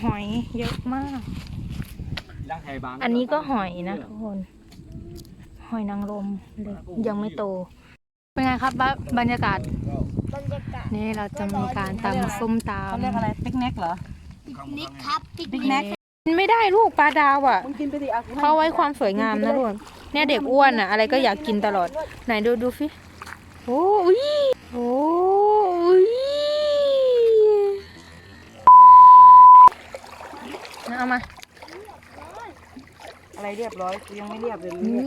หอยเยอะมากอันนี้ก็หอยนะทุกคนหอยนางรมเล็กยังไม่โตเป็นไงครับบรรยากาศนี่เราจะมีการตำส้มตำเขาเรียกอะไรปิกนิกเหรอนิกครับปิกปิกนินิกกกินไม่ได้ลูกปลาดาวอ่ะมึงกินไปดิเอาเขาไว้ความสวยงามนะทุกคนเนี่ยเด็กอ้วนอ่ะอะไรก็อยากกินตลอดไหนดูฟิโอ้ยโอ้ยเอามาอะไรเรียบร้อยยังไม่เรียบเลยนี่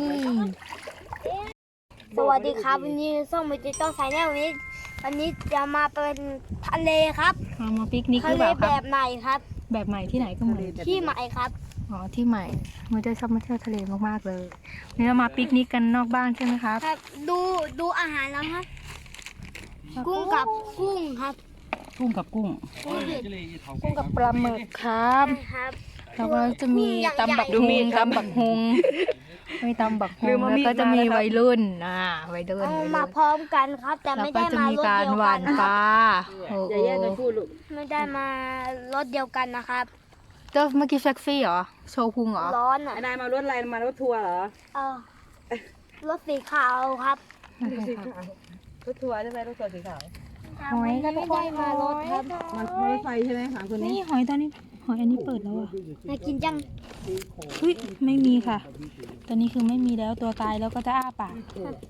สวัสดีครับวันนี้ส้มมิจิโต้ไซแนลวันนี้จะมาเป็นทะเลครับเอามาปิกนิกหทะรือเลเปล่าคแบรับบไหนครับแบบใหม่ที่ไหนก็เหมือนที่ใหม่ครับอ๋อที่ใหม่มือได้ชอบมาเที่ยวทะเลมากๆเลยนี่เรามาปิกนิกกันนอกบ้านใช่ไหมครับครับดูอาหารแล้วครับ กุ้งกับกุ้งครับกุ้งกับกุ้งกุ้งกับปลาหมึกครับครับแล้วก็จะมีตำบักฮุงมีตำบักฮุงแล้วก็จะมีวัยรุ่นวัยรุ่นเอามาพร้อมกันครับ แต่แล้วไม่ก็ได้จะมามีรถการเดียวหกัวาน นนะปครับลาโอ้โหอย่าแยกกันพูดลูกไม่ได้มารถเดียวกันนะครับเจ้าเมื่อกี้เซ็กซี่เหรอโชว์พุงเหรอร้อนอ่ะไอ้นายมารถอะไรมารถทัวร์เหรอเออรถสีขาวครับรถทัวร์ใช่ไหมรถทัวร์สีขาวหอยกันไม่ได้มารถครับมันรถไฟใช่ไหมถามคนนี้นี่หอยตอนนี้หอยอันนี้เปิดแล้วอ่ะมากินจังเฮ้ยไม่มีค่ะ ตอนนี้คือไม่มีแล้วตัวตายแล้วก็จะอ้าปาก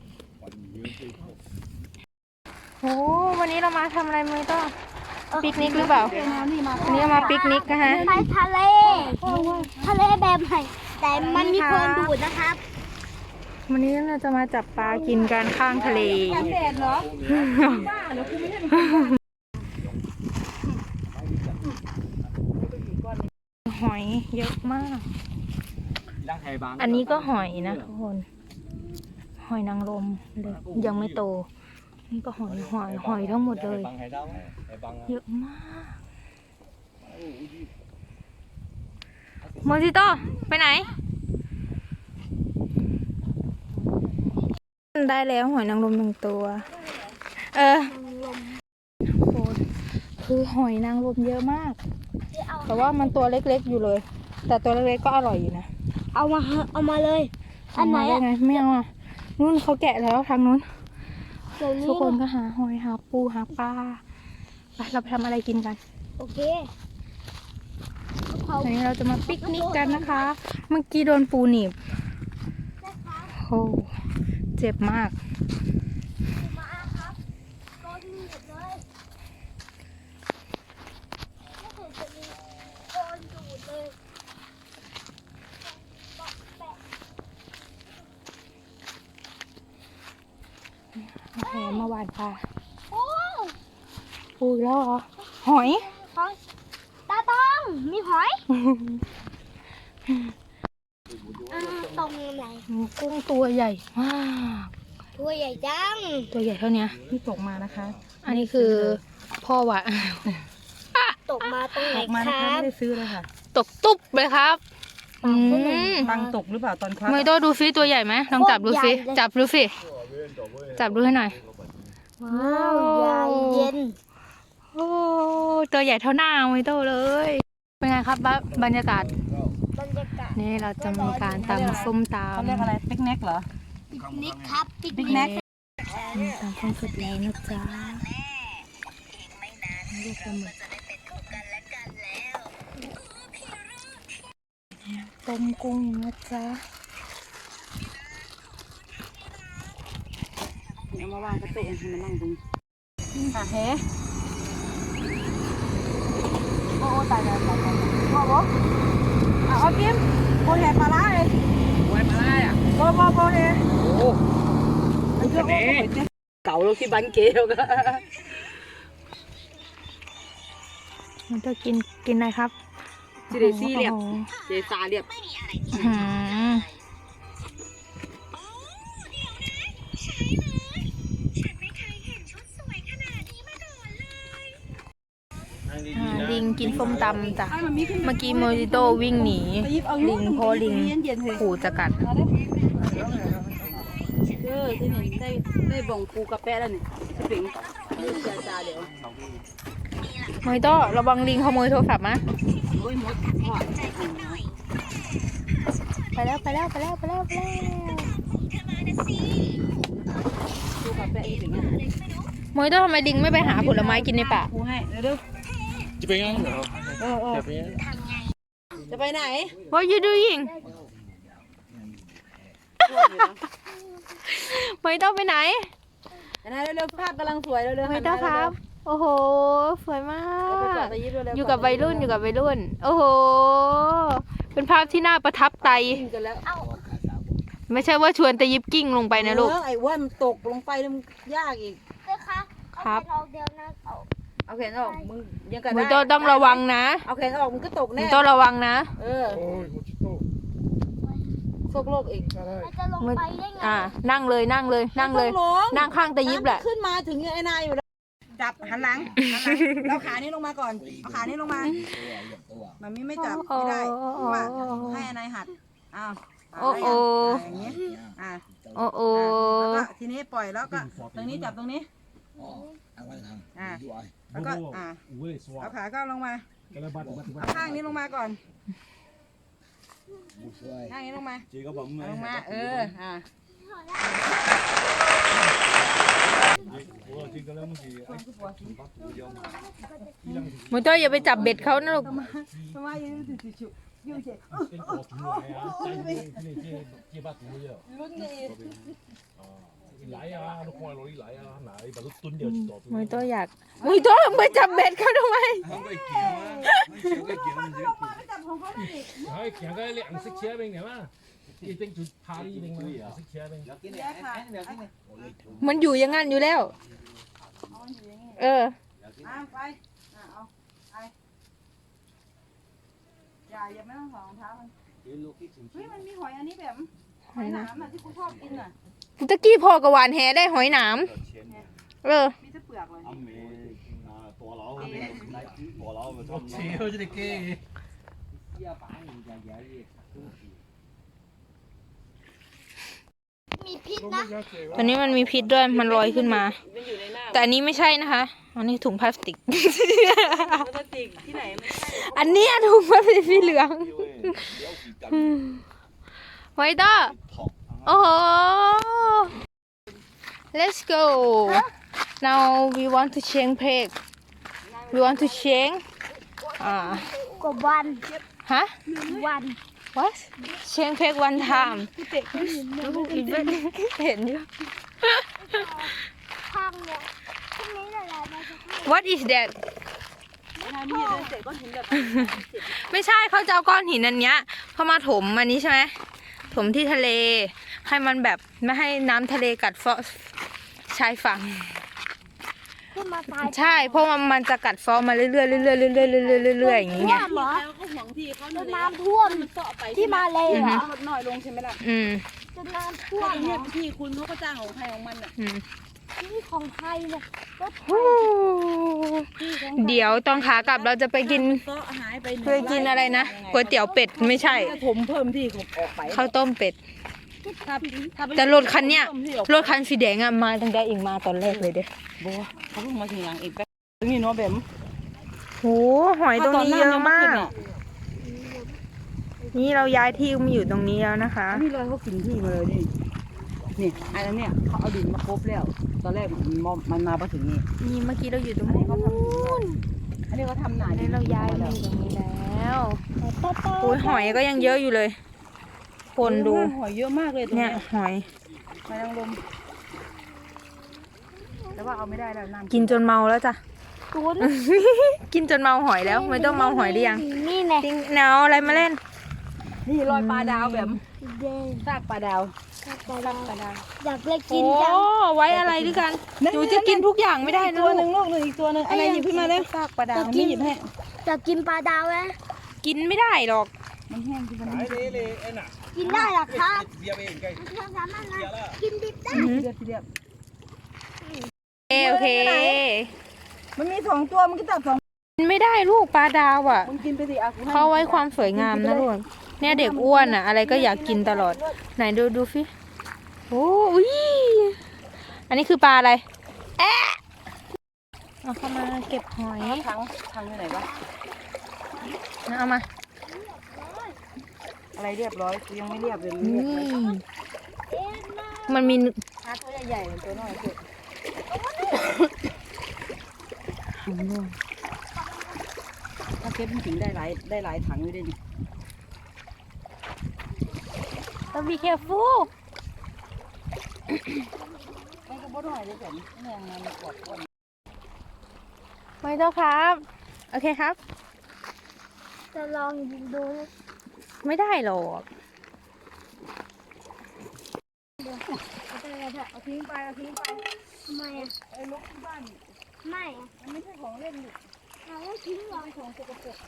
โอ้วันนี้เรามาทำอะไรมือต้องปิกนิกหรือเปล่าวันนี้เรามาปิกนิกนะคะไปทะเลแบบไหนแต่มันมีคนดูดนะครับวันนี้เราจะมาจับปลากินกันข้างทะเลแดดเหรอหอยเยอะมาก อันนี้ก็หอยนะทุกคน หอยนางรมเล็กยังไม่โต นี่ก็หอยทั้งหมดเลย เยอะมากโมจิโต้ไปไหน ได้แล้วหอยนางรมหนึ่งตัว โหคือหอยนางรมเยอะมาก แต่ว่ามันตัวเล็กๆอยู่เลย แต่ตัวเล็กๆก็อร่อยอยู่นะเอามาเลย อันไหนเามาได้อ่ะไงไม่เอาอ่ะนู่นเขาแกะแล้วทางนู้นเดี๋ยวนี้ทุกคนก็หาหอยหาปูหาปลาไปเราไปทำอะไรกินกันโอเควันนี้เราจะมาปิกนิกกันนะคะ เมื่อกี้โดนปูหนีบโอ้เจ็บมากมาครับโดนหนีบเลยไม่เห็นจะมีโดนดูดเลยแปะแหมมาหวานปลาโอ้ปูอีกแล้วเหรอหอยหอยตาต้องมีหอยตรงไหนกุ้งตัวใหญ่มากตัวใหญ่จังตัวใหญ่เท่านี้ที่ตกมานะคะ อันนี้คือพ่อวะตกมาตรงไหนตกมาคนะคะรับไม่ได้ซื้อเลยค่ะตกตุ๊บเลยครับอืมตังตกหรือเปล่าตอนควักไม่ต้องดูซิตัวใหญ่ไหมลองจับดูซิจับดูสิจับดูให้หน่อยว้าวใหญ่เย็นโอ้ตัวใหญ่เท่าหน้าไม่โตเลย เป็นไงครับบรรยากาศบรรยากาศนี่เราจะมีการตำส้มตเขาเรียกอะไรปิกนิกเหรอปิกนิกครับปิกปิกนินิกกำมีตำส้มสุดแล้วนะจ๊ะลูกปลาหมึกต้มกุ้งนะจ๊ะเอามาวางกระตุกให้มันนั่งตรงค่ะเฮ้โอ้ตายแล้วตายแล้วพ่อบอกเอากิมโบแห่ปลาร้าเลยโบแห่ปลาร้าอ่ะโบแห่โอ้อันนี้เก่าเราที่บันเกลก็มันจะกินอะไรครับจีเดซี่เรียบโอ้โหเจซาเรียบอืมลิงกินส้มตำจ้ะ เมื่อกี้โมจิโต้วิ่งหนีลิงเพราะลิงขู่จะกัดที่นี่ได้บ่งปูกระแปะแล้วนี่สปริงเจซาเดี๋ยวมอยโต้ระวังลิงขโมยโทรศัพท์นะโอ้ยมดพ่อไปแล้วไปแล้วไปแล้วไปแล้วไปแล้วดูกาแฟอีกอย่างเงี้ยมอยโต้ทำไมลิงไม่ไปหาผลไม้กินในป่าครูให้เร็วจะไปงั้นเหรอๆจะไปงั้นจะไปไหน What you doing มอยโต้ไปไหนไหนเร็วๆภาพกำลังสวยเร็วๆมอยโต้ครับ โอ้โหสวยมาไปจอดกตะยิ้เร็วๆอยู่กับวัยรุ่นอยู่กับวัยรุ่น โอ้โห เป็นภาพที่น่าประทับใจกินกันแล้วไม่ใช่ว่าชวนแต่ยิบกิ้งลงไปนะลูกไอ้ว่ามันตกลงไปแล้วมันยากอีกนะคะครับเอาเดียวนะเอาเอาแขนออกมึงยังกันมได้อยโต้ต้องระวังนะเอาแขนออกมึงก็ตกมแน่อยโต้ระวังนะเออโอ้ยโมจิโต้โชคโลกอีกมันจะลงไปได้ไงนั่งเลยนั่งเลยนั่งเลยต้องลงนั่งข้างแต่ยิบแหละขึ้นมาถึงไอ้นายอยู่แล้วจับหันหลังเราขานี้ลงมาก่อนเอาขานี้ลงมามันไม่จับไม่ได้เพราะว่าให้ไอ้นายหัดอ้าวโอ้โอ้อย่างนี้อ่ะโอ้โอ้แล้วก็ทีนี้ปล่อยแล้วก็ตรงนี้จับตรงนี้อ่ะแล้วก็เอาขาก็ลงมาเอาข้างนี้ลงมาก่อนข้างนี้ลงมาเอาลงมาอ่ะมอยโต้อย่าไปจับเบ็ดเขานะลูกทำไมอยู่เฉยลุ้นดีไหลอ่ะลูกควายลอยไหลอ่ะไหนแบบตุ้นเดียวต่อมอยโต้อยากมอยโต้ไปจับเบ็ดเขาทำไมจับของเขาดิเฮ้ยแข่งกันเลยอังสิเชียร์เป็นไงวะอีเต็งจุดพาดีเป็นไงอังสิเชียร์เป็นแย่ค่ะมันอยู่อย่างนั้นอยู่แล้ว เออไปเอาไปอย่าไม่ต้องถอดรองเท้ามันเฮ้ยมันมีหอยอันนี้แบบหอยหนามอ่ะที่กูชอบกินอ่ะตะกี้พอกระวานแหได้หอยหนามเออมีแต่เปลือกเลยเชียวจะได้เก้มีพิษนะตอนนี้มันมีพิษด้วยมันลอยขึ้นมามันอยู่ในหน้าแต่อันนี้ไม่ใช่นะคะ อันนี้ถุงพลาสติกพลาสติกที่ไหนไม่ใช่อันนี้ถุงพลาสติกสีเหลืองไวเตอร์โอ้โห let's go now we want to change peg we want to change กว่าวันฮะวัน what change peg one time เห็นอยู่ข้างเนี่ยพรุ่งนี้อะไรมาจะให้ what is that มีเดินเสร็จก็เห็นแบบไม่ใช่เขาจะเอาก้อนหินอันเนี้ยเขามาถมอันนี้ใช่ไหมถมที่ทะเล ให้มันแบบไม่ให้น้ำทะเลกัดเซาะชายฝั่งขึ้นมาตายใช่เพราะมันจะกัดเซาะมาเรื่อยๆเรื่อยๆเรื่อยๆเรื่อยๆอย่างเงี้ยท่วมเหรอแล้วก็ห่วงที่เขาจนน้ำท่วมเสาะไปที่มาเลยเหรอลดน้อยลงใช่ไหมล่ะอืมจนน้ำท่วก็มตรงเหรนี้อที่คุณเขาก็จ้างของใครของมันอ่ะอืมนี่ของไทยเนี่ยก็ไทฮู้ยเดี๋ยวตอนขากลับเราจะไปกินเสาะหายไปไปกินอะไรนะก๋วยเตี๋ยวเป็ดไม่ใช่ถ้าถมเพิ่มที่ออกไปข้าวต้มเป็ดถ้าแต่รถคันเนี้ยรถคันสีแดงอะมาตั้งแต่เองมาตอนแรกเลยเด้บัวเขาเพิ่งมาทีหลังอีกแป๊บนี่เนาะแบบโหหอยตรงนี้เยอะมาก นี่เราย้ายที่มาอยู่ตรงนี้แล้วนะคะนี่เลยเขากินที่มาเลยนี่นี่อันนั้นเนี่ยเขาเอาดินมาครบแล้ว ตอนแรกมันมาพอถึงนี่นี่เมื่อกี้เราอยู่ตรงอันนี้นี้เขาทำอันนี้เขาทำหนาอันนี้เราย้ายมาอยู่ตรงนี้แล้วโอ้ยหอยก็ยังเยอะอยู่เลยคนดูหอยเยอะมากเลยตรงเนี่ยเนี้ยหอยหอยนางรมแต่ว่าเอาไม่ได้แล้วน้ำกินจนเมาแล้วจ้ะศูนย์กินจนเมาหอยแล้วไม่ต้องเมาหอยหรือยังนี่ไงจริงเนาอะไรมาเล่นนี่รอยปลาดาวแบบเด้งซากปลาดาวปลาดาวอยากเลยกินโอ้จังไว้อะไรด้วยกันหนูจะกินทุกอย่างไม่ได้นะตัวหลูนึ่กงลูกหนึ่งอีกตัวหนึ่งอะไรหยิบขึ้นมาเลยซากปลาดาวไม่หยิบให้อยากกินปลาดาวไหมกินไม่ได้หรอกมันแห้งที่มันกินได้หรอครับเราสามารถนะกินดิบได้เรียบเรียบโอเคมันมี2ตัวมันก็จับ2 กินไม่ได้ลูกปลาดาวอ่ะมึงกินไปสิอ่ะกูให้เขาไว้ความสวยงามนะลูกเนี่ยเด็กอ้วนอ่ะ อะไรก็อยากกินตลอด ไหนดูฟิโอ้ยอันนี้คือปลาอะไรแอะเอาเข้ามาเก็บหอยทางอยู่ไหนวะเอามาอะไรเรียบร้อยกูยังไม่เรียบเลยนี่มันมีหาตัวใหญ่ๆเหมือนตัวน้อยสุดหางด้วยถ้าเก็บจริงๆได้หลายถังอยู่ด้วยนี่ต้อง be careful ไม่ก็บ่น้อยเลยแต่แมงมันกดคนไม่ต้องครับ โอเคครับจะลองยิงดูนะไม่ได้หรอกเอาทิ้งไปเอาทิ้งไปทำไมอ่ะไอ้ลูกที่บ้านไม่อะมันไม่ใช่ของเล่นนี่เราไม่ทิ้งหรอกของสกปรก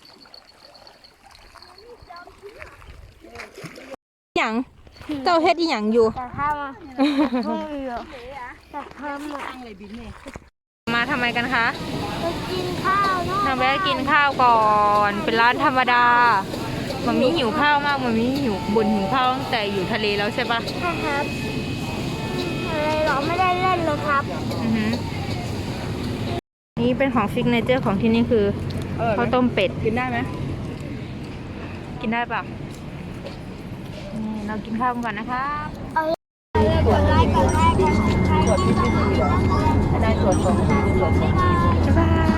หยังเจ้าเฮ็ดอีหยังอยู่แต่ทำอ่ะไม่เหรอแต่ทำอ่ะตั้งเลยบินนี่มาทำไมกันคะไปกินข้าวเนาะทำแวะกินข้าวก่อน เป็นร้านธรรมดามันมีหิวข้าวมากมันมีหิวบ่นหิวข้าวตั้งแต่อยู่ทะเลแล้วใช่ปะใช่ครับอะไรหรอไม่ได้เล่นเลยครับอือหือนี่เป็นของซิกเนเจอร์ของที่นี่คือข้าวต้มเป็ดกินได้ไหมกินได้ปะนี่เรากินข้าวกันก่อนนะครับกดไลค์กดแชร์กันใครที่ชอบได้ส่วนของที่ส่วนของบ๊ายบาย